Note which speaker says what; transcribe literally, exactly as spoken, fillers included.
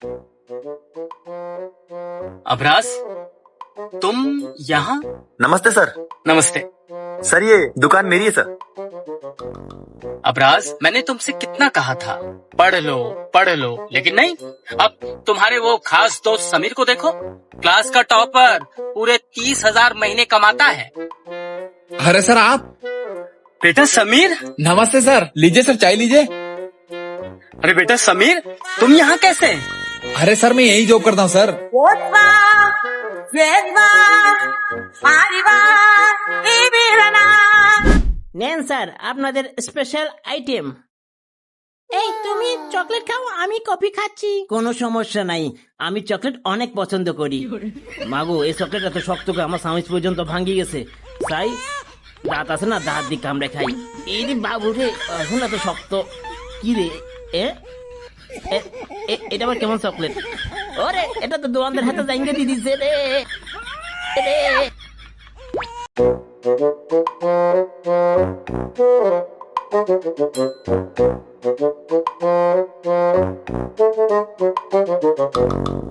Speaker 1: अभ्रास, तुम यहाँ?
Speaker 2: नमस्ते सर।
Speaker 1: नमस्ते।
Speaker 2: सर ये दुकान मेरी है सर।
Speaker 1: अभ्रास, मैंने तुमसे कितना कहा था पढ़ लो पढ़ लो, लेकिन नहीं। अब तुम्हारे वो खास दोस्त समीर को देखो, क्लास का टॉपर, पूरे तीस हजार महीने कमाता है।
Speaker 3: अरे सर आप?
Speaker 1: बेटा समीर।
Speaker 3: नमस्ते सर, लीजिए सर चाय लीजिए।
Speaker 1: अरे बेटा समीर, तुम यहाँ कैसे?
Speaker 3: अरे सर मैं यही जॉब करता हूँ सर।
Speaker 4: নেন স্যার আপনাদের স্পেশাল আইটেম। এই তুমি চকলেট খাও, আমি কফি খাচ্ছি। কোনো সমস্যা নাই, আমি চকলেট অনেক পছন্দ করি। মাগো এই চকলেট এত শক্ত করে আমার সামিজ পর্যন্ত ভাঙ্গি গেছে। তাই দাঁত আছে না, দাঁত দিয়ে কামড়ে খাই। এই রে বাবু রে, এখন এত শক্ত কি রে? এ এ- এ- এটা আবার কেমন চকলেট? ওরে এটা তো দোকানদার হাতে জাইঙ্গে দিয়ে দিছে রে রে